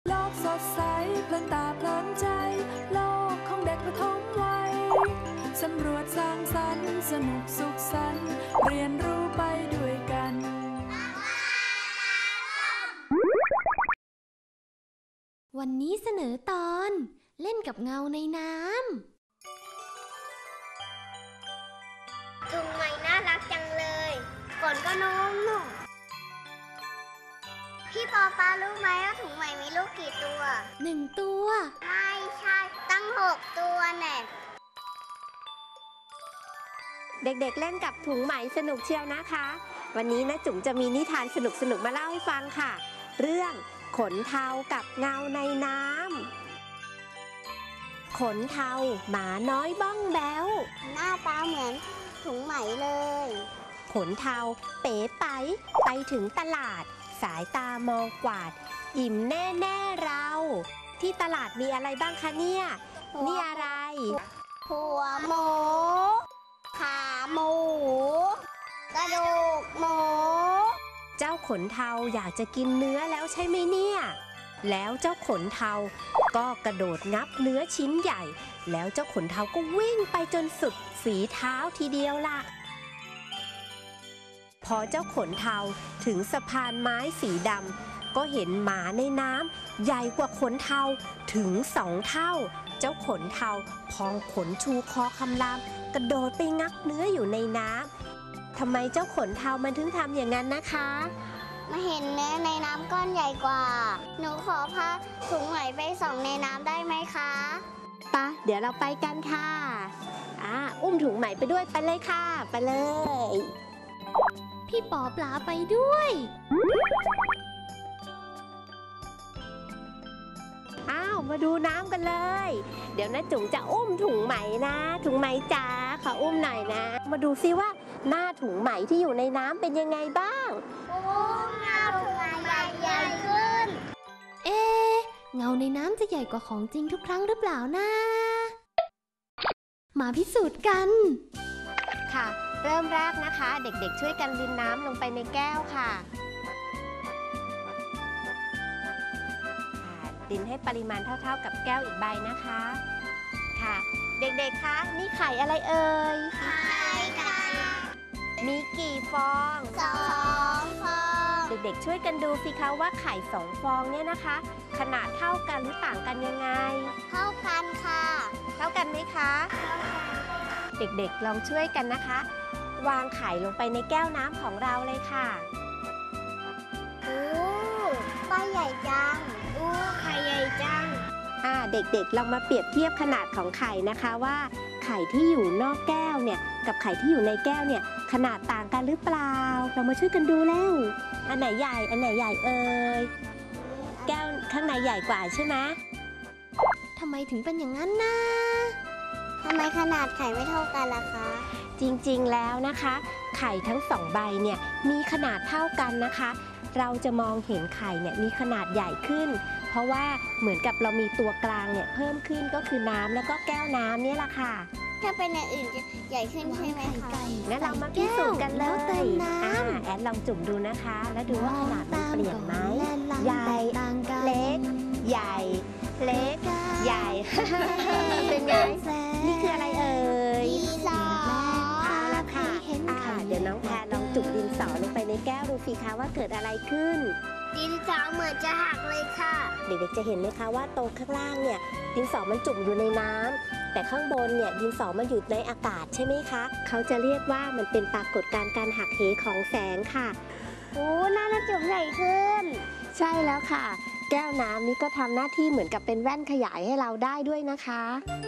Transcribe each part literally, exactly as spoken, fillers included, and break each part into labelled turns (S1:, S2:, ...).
S1: โลกสดใสเพลินตาเพลินใจโลกของเด็กประถมวัยสำรวจสร้างสรรค์สนุกสุขสันต์เรียนรู้ไปด้วยกัน
S2: วันนี้เสนอตอนเล่นกับเงาในน้ำ
S3: ถุงใหม่น่ารักจังเลยฝนก็นุ่มนุ่มพี่ปอปารู้ไหมว่าถุงใหม่มีลูกกี่ตัว
S2: หนึ่งตัว
S3: ไม่ใช่ตั้งหกตัวแน่
S4: เด็กๆเล่นกับถุงไหมสนุกเชียวนะคะวันนี้นะจุ๋มจะมีนิทานสนุกๆมาเล่าให้ฟังค่ะเรื่องขนเทากับเงาในน้ำขนเทาหมาน้อยบ้องแบ๊ว
S3: หน้าตาเหมือนถุงไหมเลย
S4: ขนเทาเป๋ไปไปถึงตลาดสายตามองกวาดอิ่มแน่ๆเราที่ตลาดมีอะไรบ้างคะเนี่ยนี่อะไร
S3: หัวหมูขาหมูกระดูกหมู
S4: เจ้าขนเทาอยากจะกินเนื้อแล้วใช่ไหมเนี่ยแล้วเจ้าขนเทาก็กระโดดงับเนื้อชิ้นใหญ่แล้วเจ้าขนเทาก็วิ่งไปจนสุดฝีเท้าทีเดียวล่ะพอเจ้าขนเทาถึงสะพานไม้สีดำก็เห็นหมาในน้ำใหญ่กว่าขนเทาถึงสองเท่าเจ้าขนเทาพองขนชูคอคำรามกระโดดไปงับเนื้ออยู่ในน้ำทำไมเจ้าขนเทามันถึงทำอย่างนั้นนะคะ
S3: มาเห็นเนื้อในน้ำก้อนใหญ่กว่าหนูขอพาถุงไหมไปส่องในน้ำได้ไหมคะ
S4: ปะเดี๋ยวเราไปกันค่ะอ่าอุ้มถุงไหมไปด้วยไปเลยค่ะไปเลย
S2: พี่ปอปลาไปด้วย
S4: อ้าวมาดูน้ำกันเลยเดี๋ยวนะจุ๋มจะอุ้มถุงไหมนะถุงไหมจ๋าขออุ้มหน่อยนะมาดูซิว่าหน้าถุงไหมที่อยู่ในน้ำเป็นยังไงบ้าง
S3: โอ้หน้าถุงไหมใหญ่ขึ้น
S2: เอ๊ะเงาในน้ำจะใหญ่กว่าของจริงทุกครั้งหรือเปล่านะมาพิสูจน์กัน
S4: ค่ะเริ่มแรกนะคะเด็กๆช่วยกันรินน้ำลงไปในแก้วค่ะรินให้ปริมาณเท่าๆกับแก้วอีกใบนะคะค่ะเด็กๆคะนี่ไข่อะไรเอ่ย
S3: ไข่ค่ะ
S4: มีกี่ฟอง
S3: สองฟอง
S4: เด็กๆช่วยกันดูสิคะว่าไข่สองฟองเนี่ยนะคะขนาดเท่ากันหรือต่างกันยังไง
S3: เท่ากันค่ะ
S4: เท่ากันไหมคะเด็กๆลองช่วยกันนะคะวางไข่ลงไปในแก้วน้ำของเราเลยค่ะ
S3: โอ้ใบใหญ่จังโอ้ไข่ใหญ่จัง
S4: อ่าเด็กๆลองมาเปรียบเทียบขนาดของไข่นะคะว่าไข่ที่อยู่นอกแก้วเนี่ยกับไข่ที่อยู่ในแก้วเนี่ยขนาดต่างกันหรือเปล่าเรามาช่วยกันดูแล้วอันไหนใหญ่อันไหนใหญ่เอ่ยแก้วข้างในใหญ่กว่าใช่ไหม
S2: ทำไมถึงเป็นอย่างนั้นนะ
S3: ทำไมขนาดไข่ไม่เท่ากันล่ะคะ
S4: จริงๆแล้วนะคะไข่ทั้งสองใบเนี่ยมีขนาดเท่ากันนะคะเราจะมองเห็นไข่เนี่ยมีขนาดใหญ่ขึ้นเพราะว่าเหมือนกับเรามีตัวกลางเนี่ยเพิ่มขึ้นก็คือน้ำแล้วก็แก้วน้ำนี่แหละค่ะ
S3: ถ้าเป็นอย่างอื่นจะใหญ่ขึ้นใช่ไหมคะ
S4: งั้นเรามาพิสูจน์กันเลยอ่าแอนลองจุ่มดูนะคะแล้วดูว่าขนาดมันเปลี่ยนไหมใหญ่เล็กใหญ่เล็กใหญ่เป็นไงนี่คืออะไรเอ่ย
S3: ดินสอ
S4: เอาละค่ะเดี๋ยวน้องแพรลองจุ่มดินสอลงไปในแก้วดูสิคะว่าเกิดอะไรขึ้น
S3: ดินสอเหมือนจะหักเลยค่ะ
S4: เด็กๆจะเห็นไหมคะว่าตรงข้างล่างเนี่ยดินสอมันจุ่มอยู่ในน้ำแต่ข้างบนเนี่ยดินสอมันอยู่ในอากาศใช่ไหมคะเขาจะเรียกว่ามันเป็นปรากฏการณ์การหักเหของแสงค่ะ
S3: โอ้หน้าจุ่มใหญ่ขึ้น
S4: ใช่แล้วค่ะแก้วน้ำนี้ก็ทำหน้าที่เหมือนกับเป็นแว่นขยายให้เราได้ด้วยนะคะ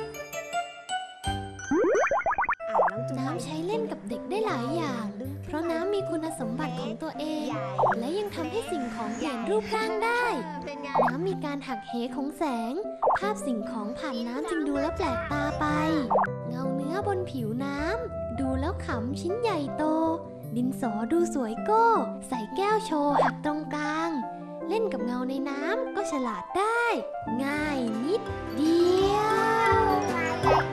S2: น้ำใช้เล่นกับเด็กได้หลายอย่างเพราะน้ำมีคุณสมบัติของตัวเองและยังทำให้สิ่งของเปลี่ยนรูปร่างได้น้ำมีการหักเหของแสงภาพสิ่งของผ่านน้ำจึงดูแล้วแปลกตาไปเงาเนื้อบนผิวน้ำดูแล้วขำชิ้นใหญ่โตดินสอดูสวยโก้ใส่แก้วโชว์หักตรงกลางเล่นกับเงาในน้ำก็ฉลาดได้ง่ายนิดเดียว